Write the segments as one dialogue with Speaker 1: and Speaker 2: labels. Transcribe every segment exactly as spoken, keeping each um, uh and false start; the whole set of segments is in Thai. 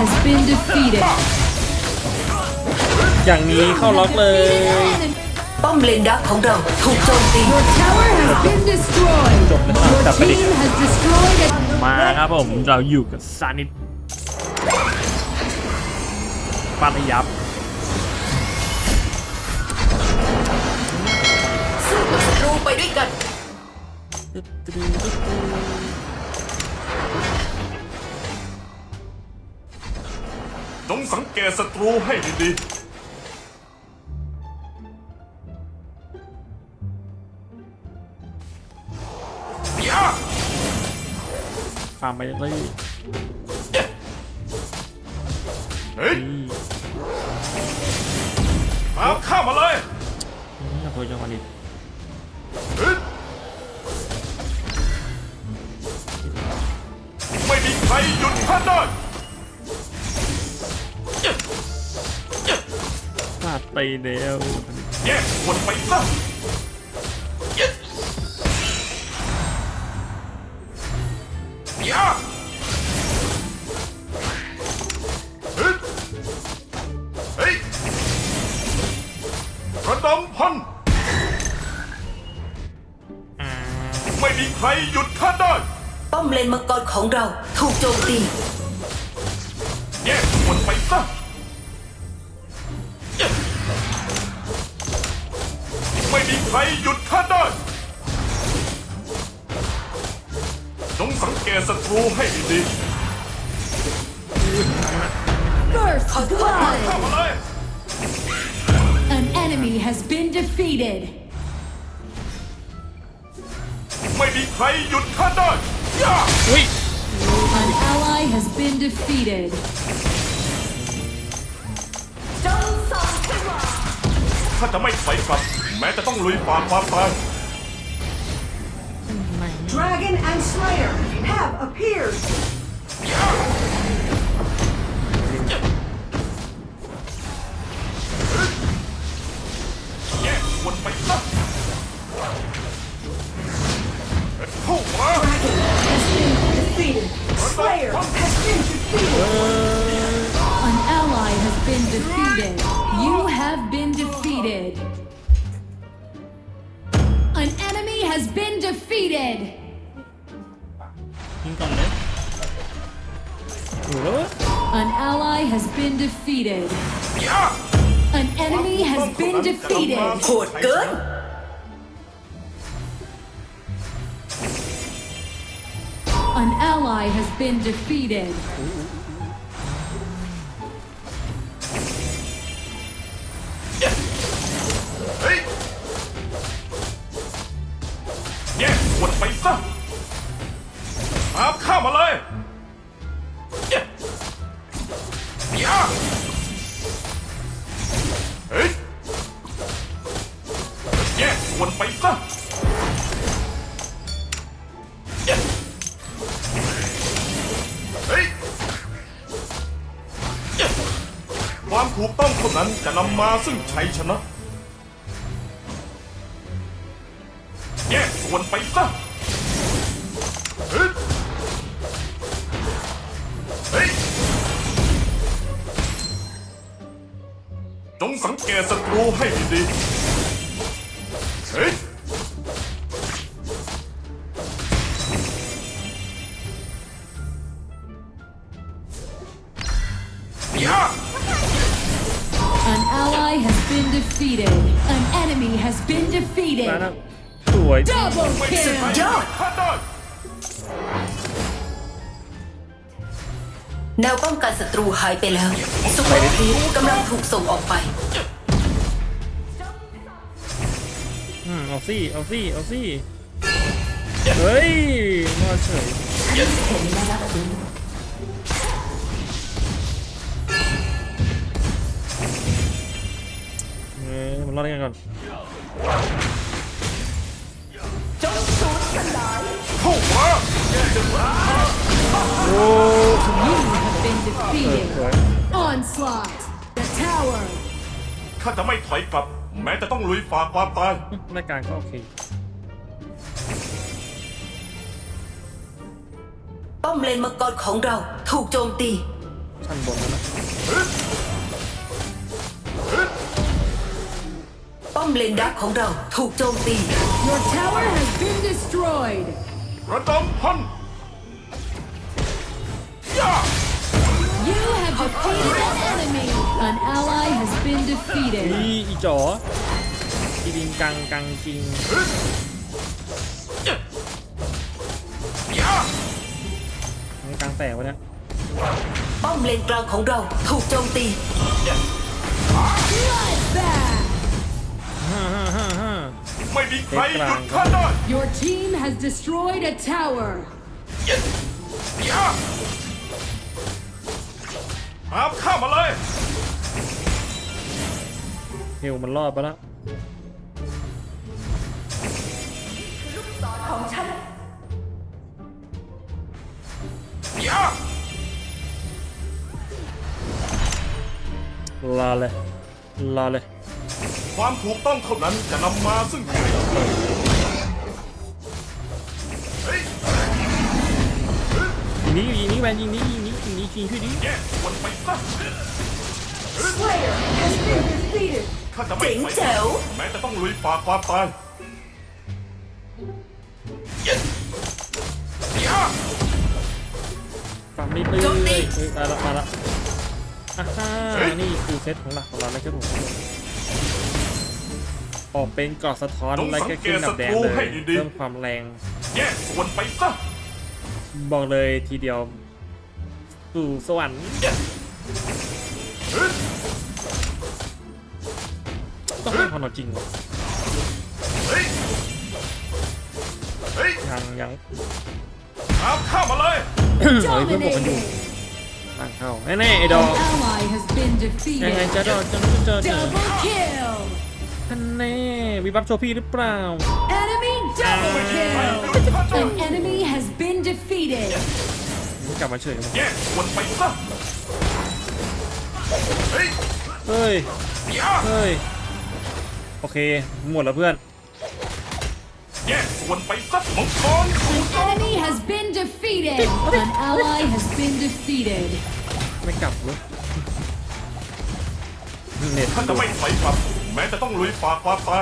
Speaker 1: has been defeated.
Speaker 2: อย่างนี้เข้าล็อกเลย
Speaker 3: ป้อมเลนดักของเราถูกโจมตี
Speaker 1: Your tower has been destroyed.
Speaker 2: จบแล้วครับ
Speaker 1: Your
Speaker 2: จับไปดิ
Speaker 1: team has destroyed it.
Speaker 2: มาครับผมเราอยู่กับซานิสปาทยับ
Speaker 3: สู้กับศัตรูไปด้วยกัน
Speaker 4: จงสังเกตศัตรูให้ดีๆยา
Speaker 2: ฟาร์มไปเลย
Speaker 4: เฮ้ยเอาข้ามาเลย
Speaker 2: นี่ตัวจังหวะนี้
Speaker 4: เฮ้ยไม่มีใครหยุดข้าได้
Speaker 2: ฟาดไปแล้ว
Speaker 4: แยกส่วนไปซะยาเฮ้ยเฮ้ยระดมพันไม่มีใครหยุดข้าได้
Speaker 3: ป้อมเลนมังกรของเราถูกโจมตี
Speaker 4: แยกส่วนไปซะไม่มีใครหยุดข้าได้จงสังเกตศัตรูให้ดี
Speaker 1: First
Speaker 4: ๆ
Speaker 1: blood.
Speaker 4: เข้ามาเลย
Speaker 1: An enemy has been defeated.
Speaker 4: ไม่มีใครหยุดข้าได้ย่า
Speaker 2: อุ้ย
Speaker 1: An ally has been defeated.
Speaker 4: ข้าจะไม่ถอยกลับ แม้จะต้องลุยฝ่าความตาย
Speaker 5: Dragon and Slayer have appeared.
Speaker 4: แยกส่วนไปซะเข้ามา
Speaker 5: Defeated. Slayer has been defeated.
Speaker 1: An ally has been defeated. You have been defeated. An enemy has been defeated.
Speaker 2: ยิงก่อนเลยโอ้โห
Speaker 1: An ally has been defeated.
Speaker 4: ย่า
Speaker 1: An enemy has been defeated.
Speaker 3: โหดเกิน
Speaker 1: An ally has been defeated.
Speaker 4: เฮ้ยแยกส่วนไปซะตามข้ามาเลยย่าเฮ้ยแยกส่วนไปซะเฮ้ยความถูกต้องเท่านั้นจะนำมาซึ่งชัยชนะ แยกส่วนไปซะเฮ้ยเฮ้ยจงสังเกตศัตรูให้ดีๆเฮ้ยย่า
Speaker 1: An ally has been defeated. An enemy has been
Speaker 2: มา
Speaker 1: defeated.
Speaker 2: แล้วสวย
Speaker 1: Double
Speaker 4: ไม่ใช่ใคร
Speaker 1: kill.
Speaker 4: หยุดข้าได้
Speaker 3: แนวป้องกันศัตรูหายไปแล้วซุปเปอร์ครีปกำลังถูกส่งออกไป
Speaker 2: อืมเอาซี่เอาซี่เอาซี่เฮ้ยมาเฉยเออมันรอดกันก่อน
Speaker 4: เข้ามา
Speaker 2: โอ้
Speaker 1: You have been defeated.
Speaker 2: สวย
Speaker 1: Onslaught. The tower.
Speaker 4: ข้าจะไม่ถอยกลับ แม้จะต้องลุยฝ่าความตาย
Speaker 2: รายการก็โอเค
Speaker 3: ป้อมเลนมังกรของเราถูกโจมตี
Speaker 2: ชั้นบนแล้วนะ
Speaker 3: ป้อมเลนดักของเราถูกโจมตี
Speaker 1: Your tower has been destroyed.
Speaker 4: ระดมพันย่า
Speaker 1: You have defeated an enemy. An ally has been defeated.
Speaker 2: อีอีจ๋ออีบิงกังกังกิง
Speaker 4: ย่า
Speaker 2: มันกลางแตกวะเนี่ย
Speaker 3: ป้อมเลนกลางของเราถูกโจมตี
Speaker 1: Bloodbath.
Speaker 2: ฮ่าฮ่าฮ่าฮ่า
Speaker 4: ไม่มีใครหยุดข้าได้
Speaker 1: Your team has destroyed a tower.
Speaker 4: ย่าตามข้ามาเลย
Speaker 2: เฮลมันรอดไปแล้ว
Speaker 3: ของฉัน
Speaker 4: ย่า
Speaker 2: รอเลยรอเลย
Speaker 4: ความถูกต้องเท่านั้นจะนำมาซึ่งชัยเฮ้ย
Speaker 2: ยิงนี้ยิงนี้แวนยิงนี้ยิงนี้ยิงนี้ยิงช่วยดิ
Speaker 4: แยกส่วนไปซะ
Speaker 5: Slayer has been defeated.
Speaker 4: ข้าจะไม่
Speaker 3: เจ๋ง
Speaker 4: ไป
Speaker 3: แจ๋ว
Speaker 4: แม้จะต้องลุยฝ่าความตายย่า
Speaker 2: ฟังนิดนึง
Speaker 3: โจมตี
Speaker 2: เฮ้ยมาละมาละอ่าฮ่านี่คือเซตของหลักของเรานะครับผมออกเป็นกรอบสะท้อนอะไรก็ขึ้นดับแดงเลยเพิ่มความแรง
Speaker 4: แยกส่วนไปซะ
Speaker 2: บอกเลยทีเดียวสู่สวรรค์
Speaker 4: เฮ้ย
Speaker 2: ต้องให้ความจริงวะ
Speaker 4: เฮ้ยเฮ้ย
Speaker 2: ยังยัง
Speaker 4: ตามข้ามาเลย
Speaker 2: เฮ้ยเพื่อนบอกกันอยู่
Speaker 1: Dominating.
Speaker 2: ตั้งเข้าแน่ๆไอ้ด
Speaker 1: An
Speaker 2: อก
Speaker 1: ally has been
Speaker 2: ยังไง
Speaker 1: defeated.
Speaker 2: จะดอกจะจะเจอ
Speaker 1: Double kill.
Speaker 2: ท่านแน่มีบัฟโชว์พี่หรือเปล่า
Speaker 1: Enemy double kill. An enemy has been defeated.
Speaker 2: กลับมาเฉย
Speaker 4: แยกส่วนไปซะเฮ้ย
Speaker 2: เฮ้ย
Speaker 4: ย่า
Speaker 2: เฮ้ยโอเคหมดแล้วเพื่อน
Speaker 4: แยกส่วนไปซะมังกรถูก
Speaker 1: An enemy has been defeated. An ally has been defeated.
Speaker 2: ไม่กลับเลยเน็ต
Speaker 4: ข้าจะไม่ถอยกลับ แม้จะต้องลุยฝ่าความตาย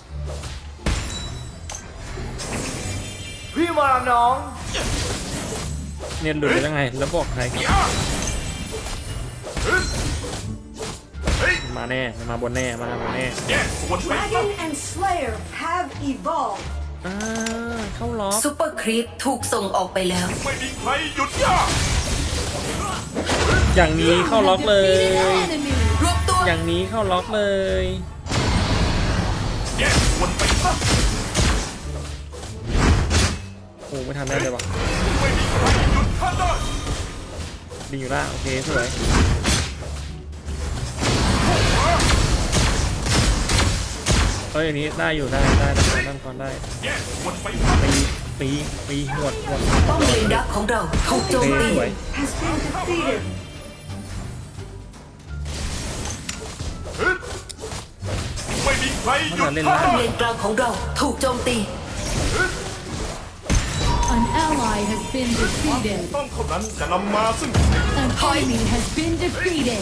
Speaker 6: พี่มาน้อง
Speaker 2: เน็ตหลุดไปยังไงแล้วบอกใครครับ
Speaker 4: ย่าเฮ้ยเฮ้ย
Speaker 2: มาแน่มาบนแน่มาบนแน่
Speaker 4: แยกส่วนไปซะ
Speaker 5: Dragon and Slayer have evolved.
Speaker 2: อ่าเข้าล็อก
Speaker 3: ซุปเปอร์ครีปถูกส่งออกไปแล้ว
Speaker 4: ไม่มีใครหยุดย่า
Speaker 2: อย่างนี้เข้าล็อกเลย
Speaker 1: Defeated an enemy.
Speaker 3: รวบตัว
Speaker 2: อย่างนี้เข้าล็อกเลย
Speaker 4: แยกส่วนไปซะ
Speaker 2: โอ้ไม่ทันได้เลยวะ
Speaker 4: ไม่มีใครหยุดข้าได้
Speaker 2: ดีอยู่ละโอเคสวยเฮ้ยอันนี้ได้อยู่ได้ได้ได้ได้ก่อนได้
Speaker 4: แยกส่วนไปซะ
Speaker 2: ตีตีตีหวดหวด
Speaker 3: ป้อมเลนดักของเราถูกโจ
Speaker 2: โอ
Speaker 3: ม
Speaker 2: เค
Speaker 3: ตี
Speaker 2: สวย
Speaker 5: Has been defeated.
Speaker 4: เฮ้ยไม่มีใครหยุด
Speaker 2: เล่น
Speaker 4: ข้า
Speaker 2: แล้ว
Speaker 3: ป้อม
Speaker 4: ได้
Speaker 3: เลนกลางของเราถูกโจมตี
Speaker 1: An ally has been defeated.
Speaker 4: ต้องเท่านั้นจะนำมาซึ่ง
Speaker 1: An enemy has been defeated.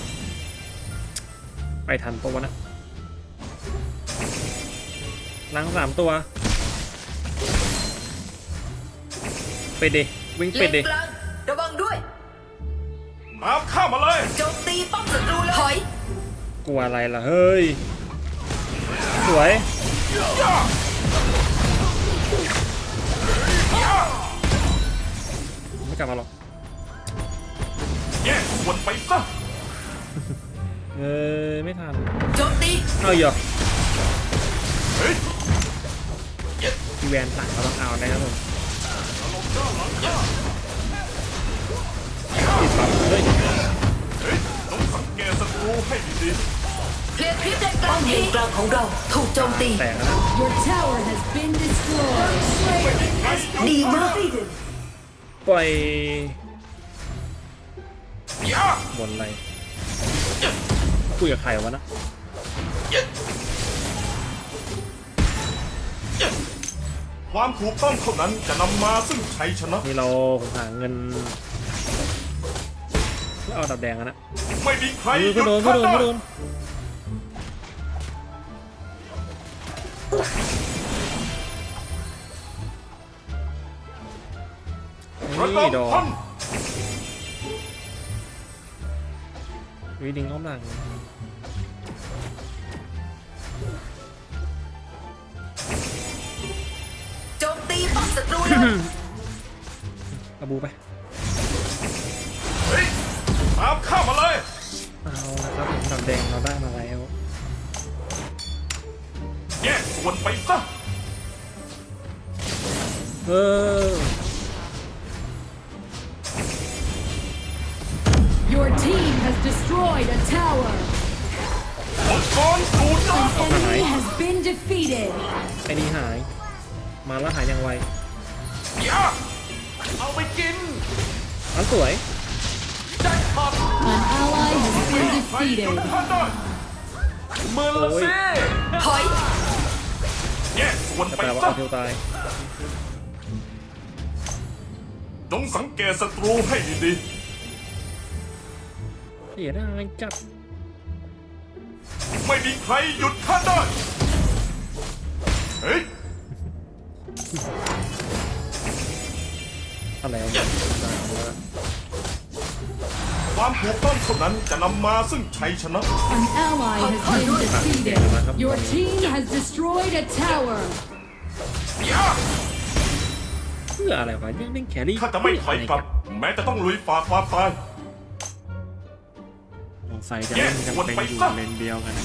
Speaker 2: ไปทันปะวะนะล้างสามตัวไปเดวิ่ง
Speaker 3: เล
Speaker 2: ไป
Speaker 3: น
Speaker 2: เด
Speaker 3: กลางระวังด้วย
Speaker 4: ตามข้ามาเลย
Speaker 3: โจมตีป้อมศัตรูเลยถอย
Speaker 2: กลัวอะไรล่ะเฮ้ยสวย
Speaker 4: ย่าย่า
Speaker 2: ไม่กลับมาหรอก
Speaker 4: แยกส่วนไปซะ
Speaker 2: เออไม่ทัน
Speaker 3: โจมตี
Speaker 2: เอาเหรอ
Speaker 4: เฮ้ย
Speaker 2: พี่แวนสั่งเราต้องเอานะครับผมติดปั๊บเฮ้ย
Speaker 4: เฮ้ยต้องสังเกตศัตรูให้ดี
Speaker 3: เคลียร์คลิปเลนกลางเลนกลางของเราถูกโจมตี
Speaker 2: แตกแล้วนะ
Speaker 1: Your tower has been destroyed.
Speaker 5: Slayer has been
Speaker 3: Đi mà.
Speaker 5: defeated.
Speaker 2: ปล่อย
Speaker 4: ๆย่า
Speaker 2: บนอะไรคุยกับใครวะนะ
Speaker 4: ความถูกต้องเท่านั้นจะนำมาซึ่งชัยชนะ
Speaker 2: นี่เราหาเงินแล้วเอาดับแดงกันนะ
Speaker 4: ไม่มีใคร
Speaker 2: เออ
Speaker 4: ห
Speaker 2: ก็
Speaker 4: ยุด
Speaker 2: โดนก็
Speaker 4: ข้า
Speaker 2: โดน
Speaker 4: ได้
Speaker 2: ก็โดน
Speaker 4: ระ
Speaker 2: นี่
Speaker 4: ด
Speaker 2: ดอ
Speaker 4: มพัน
Speaker 2: วีดิงอ้อมหลัง
Speaker 3: โจมตีป้อมศัตรูเลย
Speaker 2: อาบูไป
Speaker 4: เฮ้ยตามข้ามาเลย
Speaker 2: เอาละครับดับแดงเราได้มาแล้ว
Speaker 4: แยกส่วนไปซะ
Speaker 2: เออ
Speaker 1: Your team has destroyed a tower.
Speaker 4: มังกรสูด
Speaker 1: An enemy has been defeated.
Speaker 2: ไอ้นี่หาย มาแล้วหายอย่างไว
Speaker 4: อย่าเอาไปกิน
Speaker 2: อันสวย
Speaker 4: แจ็คพอต
Speaker 1: An ally has been
Speaker 4: ใครหยุด
Speaker 1: defeated.
Speaker 4: ข้าได้เมือละเซ่
Speaker 3: ถอย
Speaker 4: แยกส่วน
Speaker 2: แต่
Speaker 4: ไป
Speaker 2: แปลว่า
Speaker 4: ซะ
Speaker 2: เอาเทลตาย
Speaker 4: จงสังเกตศัตรูให้ดี
Speaker 2: เสียดายจัด
Speaker 4: ๆไม่มีใครหยุดข้าได้เฮ้ย
Speaker 2: อะไรวะเนี่ย
Speaker 4: ความถูกต้องเท่านั้นจะนำมาซึ่งชัยชนะ
Speaker 1: An ally has been defeated. Your team has destroyed a tower.
Speaker 4: อย่า
Speaker 2: เพื่ออะไรวะยังเล่นแครี่
Speaker 4: ข้าจะไม่ถอยกลับ แม้จะต้องลุยฝ่าความตาย
Speaker 2: สงสัยจะเล่นกันเป็นอยู่เลนเดียวกันนะ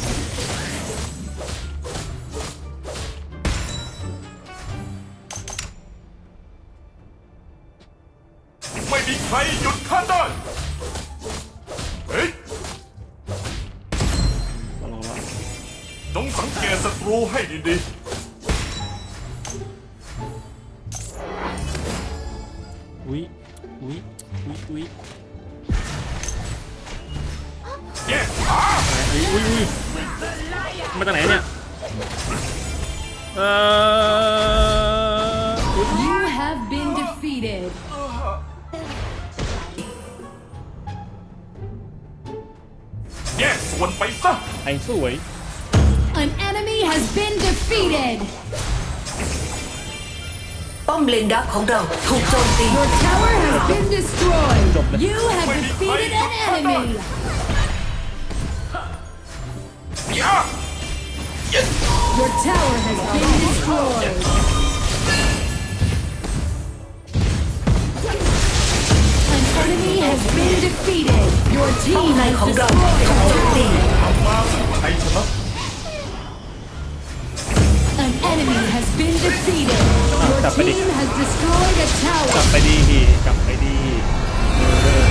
Speaker 4: ไม่มีใครหยุดข้าได้เฮ้ย
Speaker 2: มาลองละ
Speaker 4: จงสังเกตศัตรูให้ดี
Speaker 2: อุ้ยอุ้ยอุ้ยอุ้ย
Speaker 4: ๆแยกขา
Speaker 2: อุ้ยอุ้ยอุ้ยมาจากไหนเนี่ยเอออุ๊ย
Speaker 1: You have been defeated.
Speaker 4: แยกส่วนไปซะ
Speaker 2: ไอ้สวย
Speaker 1: An enemy has been defeated.
Speaker 3: ป้อมเลนดักของเราถูกโจมตี
Speaker 1: Your tower has been destroyed. You have defeated an enemy.
Speaker 4: อย่า
Speaker 1: Your tower has been destroyed. An enemy has been defeated. Your
Speaker 3: ป้อม
Speaker 1: team
Speaker 3: ใน
Speaker 1: has
Speaker 3: ของเรา
Speaker 1: destroyed
Speaker 3: ถูก
Speaker 1: a
Speaker 3: โจมตี
Speaker 1: tower.
Speaker 4: นำมาซึ่งชัยชนะ
Speaker 1: An enemy has been defeated. Your
Speaker 2: Tapไปดิ
Speaker 1: team has destroyed a
Speaker 2: กลับ
Speaker 1: tower.
Speaker 2: ไปดีพี่กลับไปดีเออ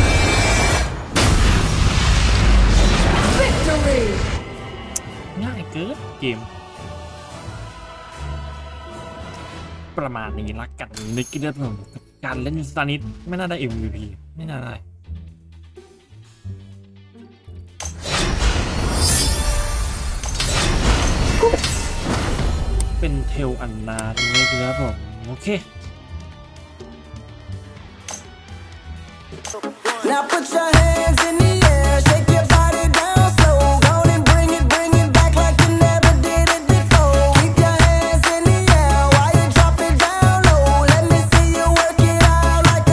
Speaker 1: Victory.
Speaker 2: ง่ายเกินเกม ประมาณนี้ละกันนึกได้ผมการเล่นสตาร์นิดไม่น่าได้ เอ็ม วี พี ไม่น่าได้ เป็นเทลอันนาทีนี้ครับผม โอเค
Speaker 6: Now put your hands in